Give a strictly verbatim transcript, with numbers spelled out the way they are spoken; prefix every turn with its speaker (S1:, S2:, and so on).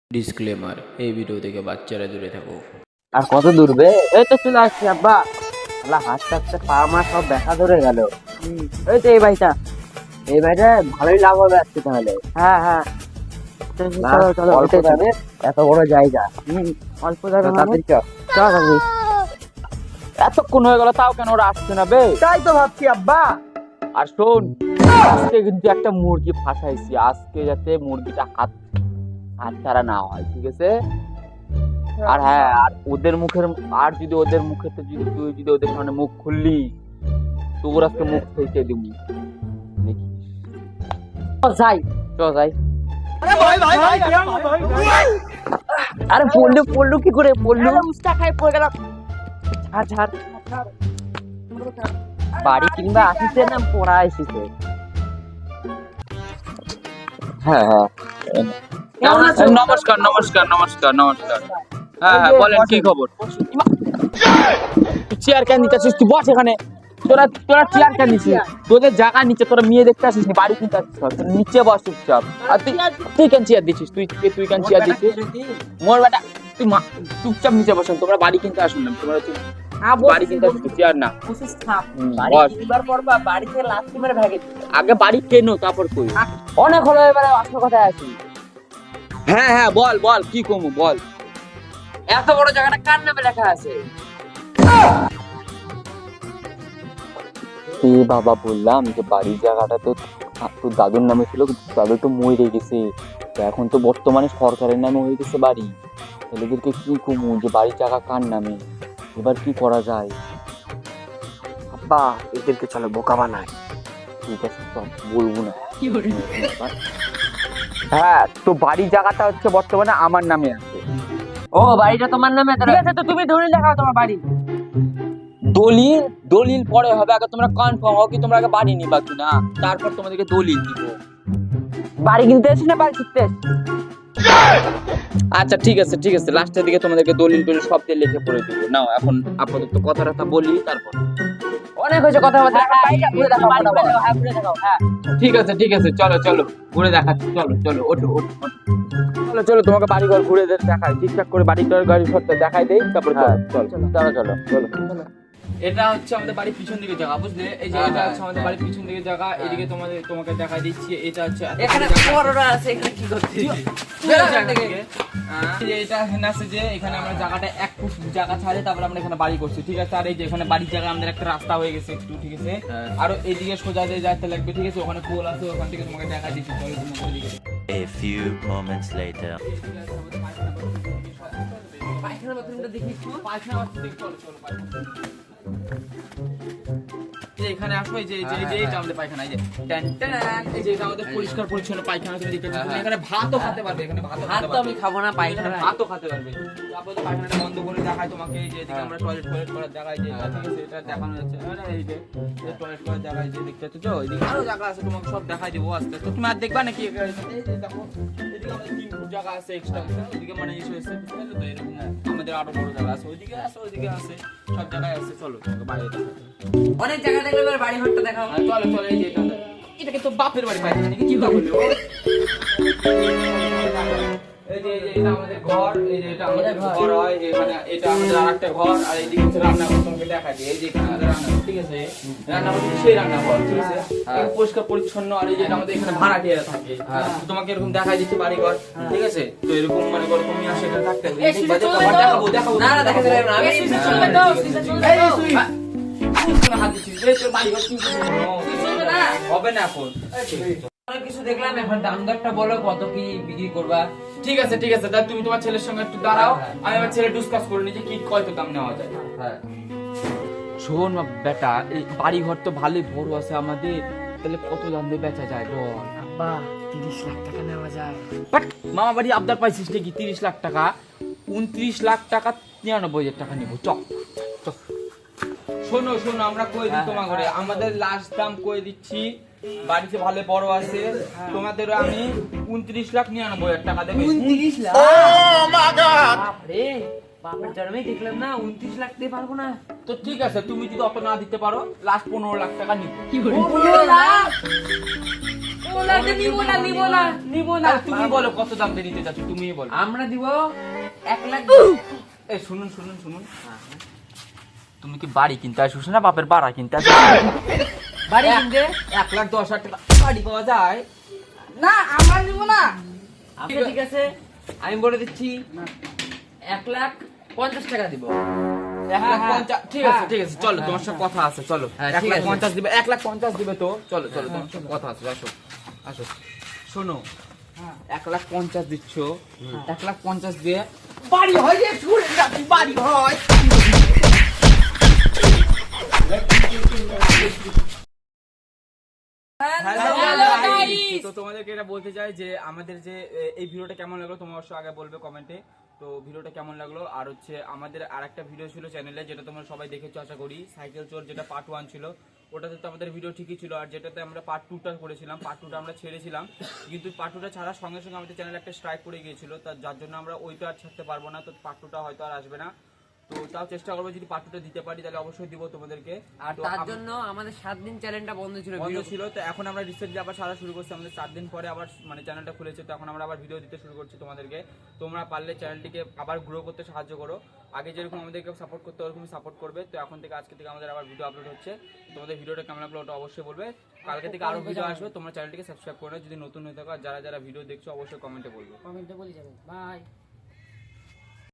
S1: Disclaimer, এই video থেকে বাচ্চারা দূরে থাকো।
S2: আর কত দূর বে? এই তো চলে আসছি আব্বা। আল্লাহ হাঁটতে হাঁটতে পা মা সব দেখা ধরে গেল। এই তো এই ভাইটা, এই ভাইটা ভালোই লাভ হবে আজকে তাহলে। হ্যাঁ হ্যাঁ চলো চলো, অল্প দামে এত বড় জায়গা। অল্প দামে তাড়াতাড়ি চল চল। আমি
S3: এতক্ষণ হয়ে গেল তাও কেন ওরা আসছে না বে?
S2: তাই তো ভাবছি আব্বা।
S3: আর শোন, আজকে কিন্তু একটা মুরগি ফাঁসাইছি, আজকে যাতে মুরগিটা হাত হাত ছাড়া না হয়, ঠিক আছে? আর হ্যাঁ, আর ওদের মুখের আর যদি ওদের মুখেতে যদি তুই যদি ওদের সামনে মুখ খুললি তোর আজকে মুখ ফেলতে দিবি।
S2: যাই
S3: চ যাই।
S2: আরে পড়লু পড়লু কি করে পড়লু? উস্তা খাই পড়ে গেল। ঝাড় ঝাড় বাড়ি কিংবা আসিছে না পড়া আসিছে?
S3: হ্যাঁ হ্যাঁ নমস্কার নমস্কার নমস্কার নমস্কার। হ্যাঁ হ্যাঁ বলেন কি খবর? চেয়ার কেন নিতেছিস? তুই বস এখানে। তোরা তোরা চেয়ার কেন নিছিস? তোদের জায়গা নিচে, তোরা মেয়ে দেখতে আসিস নি, বাড়ি কিনতে আসিস। নিচে বস চুপচাপ। আর তুই তুই কেন চেয়ার দিচ্ছিস? তুই তুই কেন চেয়ার দিচ্ছিস? মোর বেটা তুই চুপচাপ নিচে বসেন। তোমরা বাড়ি কিনতে আসুন না, তোমরা বাড়ি কিনতে আসিস, চেয়ার না। আগে বাড়ি কেনো তারপর কই।
S2: অনেক হলো, এবারে আসল কথায় আসি।
S3: হ্যাঁ হ্যাঁ বল বল কি কমু বল।
S2: এত বড় জায়গাটা কার নামে লেখা আছে?
S3: এ বাবা, বললাম যে বাড়ির জায়গাটা তো তোর দাদুর নামে ছিল, দাদু তো মরে গেছে, এখন তো বর্তমানে সরকারের নামে হয়ে গেছে বাড়ি। ছেলেদেরকে কি কমু যে বাড়ির জায়গা কার নামে, এবার কি করা যায়?
S2: আব্বা এদেরকে চলো বোকা বানায়।
S3: ঠিক আছে চল, বলবো না। হ্যাঁ, তো বাড়ির জায়গাটা হচ্ছে বর্তমানে আমার নামে আছে।
S2: ও বাড়িটা তোমার নামে? ঠিক আছে, তো তুমি দলিল দেখাও তোমার বাড়ি।
S3: দলিল দলিল পরে হবে, আগে তোমরা কনফার্ম হও কি তোমরা আগে বাড়ি নিবা কিনা, তারপর তোমাদেরকে দলিল দিব।
S2: বাড়ি কিনতে এসেছি না বাড়ি শিখতে?
S3: আচ্ছা ঠিক আছে ঠিক আছে, লাস্টের দিকে তোমাদেরকে দলিল টলিল সব দিয়ে লিখে পড়ে দেবো। নাও এখন আপাতত কথাটা বলি, তারপর
S2: অনেক হয়েছে কথা বলতে। বাড়িটা ঘুরে দেখাও, হ্যাঁ ঘুরে দেখাও। হ্যাঁ
S3: ঠিক আছে ঠিক আছে, চলো চলো ঘুরে দেখাচ্ছি। চলো চলো ওঠো ওঠো ওঠো। চলো চলো তোমাকে বাড়ি ঘর ঘুরে দেখাই, ঠিকঠাক করে বাড়ি ঘর গাড়ি ঘরটা দেখাই দেই, তারপর চলো চলো চলো চলো চলো। এটা হচ্ছে আমাদের বাড়ির পিছন দিকে জায়গা, বুঝলে? এই যে এটা হচ্ছে আমাদের বাড়ির পিছন দিকে জায়গা। এদিকে তোমাদের তোমাকে দেখাই দিচ্ছি, এটা হচ্ছে
S2: এখানে বড়রা আছে, এখানে কি করছিস?
S3: এটা এখানে আছে যে এখানে আমরা জায়গাটা এক ফুট জায়গা ছাড়ে তারপর আমরা এখানে বাড়ি করছি, ঠিক আছে? আর এই যে এখানে বাড়ির জায়গা আমাদের একটা রাস্তা হয়ে গেছে একটু, ঠিক আছে? আর এইদিকে সোজা দিয়ে যাইতে লাগবে, ঠিক আছে? ওখানে পোল আছে, ওখান থেকে তোমাকে দেখা দিচ্ছি।
S4: A few moments later.
S3: পায়খানা বাথরুমটা দেখি একটু। পায়খানা বাথরুম দেখি, চলো চলো পায়খানা। এখানে আসো, এই যে এই যে এই যে এটা আমাদের পায়খানা, এই যে ট্যান ট্যান, এই যে এটা আমাদের পরিষ্কার পরিচ্ছন্ন পায়খানা। তুমি দেখতে পাচ্ছ, তুমি এখানে ভাতও খেতে পারবে, এখানে ভাতও
S2: ভাত
S3: খেতে
S2: তো
S3: পারবে।
S2: আমি খাবো না, পায়খানা
S3: ভাতও খেতে পারবে। তারপর তো পায়খানাটা বন্ধ করে দেখাই তোমাকে, এই যে এদিকে আমরা টয়লেট টয়লেট করার জায়গা, এই যে এটা, ঠিক আছে? এটা দেখানো যাচ্ছে। আরে এই যে টয়লেট করার জায়গা, এই যে দেখতে পাচ্ছ তো, এইদিকে আরো জায়গা আছে, তোমাকে সব দেখাই দেবো আস্তে আস্তে। তুমি আর দেখবা নাকি? এই যে দেখো, এদিকে আমাদের তিন ফুট জায়গা আছে এক্সট্রা, ওইদিকে মানে এসে এসে বুঝতে পারছো তো? এরকম আমাদের আরো বড় জায়গা আছে, ওইদিকে আছে ওইদিকে আছে, সব জায়গায় আছে। চলো তোমাকে বাইরে দেখাই।
S2: অনেক জায়গা দেখলে এবার বাড়ি ঘরটা দেখাও।
S3: চলো চলো, এই যে এটা এটাকে তো বাপের বাড়ি পাইছে নাকি? কি বললো? এই যে এই যে এটা আমাদের ঘর, এই যে এটা আমাদের ঘর হয়, যে এখানে এটা আমাদের আরেকটা ঘর, আর এইদিকে হচ্ছে রান্নাঘর। তোমাকে দেখাই দিই, এই যে এখানে আমাদের রান্নাঘর, ঠিক আছে? রান্নাঘর কিন্তু সেই রান্নাঘর, ঠিক আছে? একদম পরিষ্কার পরিচ্ছন্ন। আর এই যে এটা আমাদের এখানে ভাড়াটিয়ারা থাকে, তোমাকে এরকম দেখাই দিচ্ছি বাড়ি ঘর, ঠিক আছে? তো এরকম মানে ঘর তুমি আসে এখানে থাকতে হবে। দেখাবো দেখাবো
S2: না না দেখাতে পারবো না আমি। সুইচে চলবে তো, সুইচে চলবে তো।
S3: হাত দিচ্ছি, এই তোর বাড়ি ঘর কিন্তু হবে না এখন।
S2: অনেক কিছু দেখলাম, এখন দাম দরটা বলো, কত কি বিক্রি করবা?
S3: ঠিক আছে ঠিক আছে, তাহলে তুমি তোমার ছেলের সঙ্গে একটু দাঁড়াও, আমি আমার ছেলে ডিসকাস করে নিই যে কি কত দাম নেওয়া যায়।
S2: হ্যাঁ
S3: শোন বেটা, এই বাড়ি ঘর তো ভালোই বড় আছে আমাদের, তাহলে কত দাম দিয়ে বেচা যায় বল?
S2: আব্বা তিরিশ লাখ টাকা নেওয়া যায়।
S3: বাট মামা বাড়ি আবদার পাইছিস নাকি? তিরিশ লাখ টাকা? উনত্রিশ লাখ টাকা, নিরানব্বই হাজার টাকা নিবো। চক চক। শোনো শোনো, আমরা কই দিই তোমার ঘরে, আমাদের লাস্ট দাম কই দিচ্ছি। বাড়িতে ভালো বড় আছে, তোমাদের আমি উনত্রিশ লাখ নিরানব্বই হাজার টাকা দেবো।
S2: উনত্রিশ লাখ? বাপরে, বাপের জন্মেই দেখলাম না, উনত্রিশ লাখ দিয়ে পারবো না।
S3: তো ঠিক আছে, তুমি যদি অত না দিতে পারো, লাস্ট পনেরো লাখ টাকা নিবো।
S2: পনেরো লাখ? ওলাকে নিব না নিব না নিব না
S3: আরে তুমি বলো কত দাম দিয়ে নিতে চাচ্ছ, তুমিই বলো।
S2: আমরা দিব এক লাখ
S3: এই শুনুন শুনুন শুনুন, তুমি কি বাড়ি কিনতে আসছো না বাপের বাড়া কিনতে আসছো?
S2: বাড়ি কিনতে
S3: এক লাখ দশ হাজার টাকা বাড়ি পাওয়া যায়?
S2: না আমরা নিব না। আচ্ছা ঠিক আছে আমি বলে দিচ্ছি এক লাখ পঞ্চাশ টাকা দিব।
S3: এক লাখ পঞ্চাশ, ঠিক আছে ঠিক আছে, চলো তোমার সাথে কথা আছে, চলো
S2: হ্যাঁ,
S3: এক
S2: ঠিক
S3: লাখ
S2: আছে।
S3: পঞ্চাশ দিবে, এক লাখ পঞ্চাশ দিবে তো, চলো চলো তোমার সাথে কথা আছে, আসো আসো। শোনো, এক লাখ পঞ্চাশ দিচ্ছ, এক লাখ পঞ্চাশ দিয়ে বাড়ি হয় রে, শুনে রাখি বাড়ি হয়।
S2: Hello, guys!
S3: তো তোমাদেরকে এটা বলতে চাই যে আমাদের যে এ, এই ভিডিওটা কেমন লাগলো তোমরা অবশ্যই আগে বলবে কমেন্টে। তো ভিডিওটা কেমন লাগলো, আর হচ্ছে আমাদের আরেকটা ভিডিও ছিল চ্যানেলে, যেটা তোমরা সবাই দেখেছো আশা করি, সাইকেল চোর, যেটা পার্ট ওয়ান ছিল। ওটাতে তো আমাদের ভিডিও ঠিকই ছিল, আর যেটাতে আমরা পার্ট টুটা করেছিলাম, পার্ট টুটা আমরা ছেড়েছিলাম, কিন্তু পার্ট টুটা ছাড়ার সঙ্গে সঙ্গে আমাদের চ্যানেলে একটা স্ট্রাইক পড়ে গিয়েছিল, তার যার জন্য আমরা ওইটা আর ছাড়তে পারবো না। তো পার্ট টুটা হয়তো আর আসবে না, তো তাও চেষ্টা করবো, যদি পার্ট টুটা দিতে পারি তাহলে অবশ্যই দিব তোমাদেরকে।
S2: আর
S3: তো
S2: তার
S3: আম-
S2: জন্য আমাদের সাত দিন চ্যানেলটা বন্ধ ছিল
S3: বন্ধ
S2: ভিডিও
S3: ছিল, তো এখন আমরা রিসেন্টলি আবার সারা শুরু করছি, আমাদের চার দিন পরে আবার মানে চ্যানেলটা খুলেছে, তো এখন আমরা আবার ভিডিও দিতে শুরু করছি তোমাদেরকে। তোমরা পারলে চ্যানেলটিকে আবার গ্রো করতে সাহায্য করো, আগে যেরকম আমাদেরকে সাপোর্ট করতে ওরকমই সাপোর্ট করবে। তো এখন থেকে আজকে থেকে আমাদের আবার ভিডিও আপলোড হচ্ছে, তোমাদের ভিডিওটা কেমন লাগলো ওটা অবশ্যই বলবে। কালকে থেকে আরো ভিডিও আসবে, তোমরা চ্যানেলটিকে সাবস্ক্রাইব করে নাও যদি নতুন হয়ে থাকো, আর যারা যারা ভিডিও দেখছো অবশ্যই কমেন্টে বলবে।
S2: কমেন্টে বলে যাবেন বাই।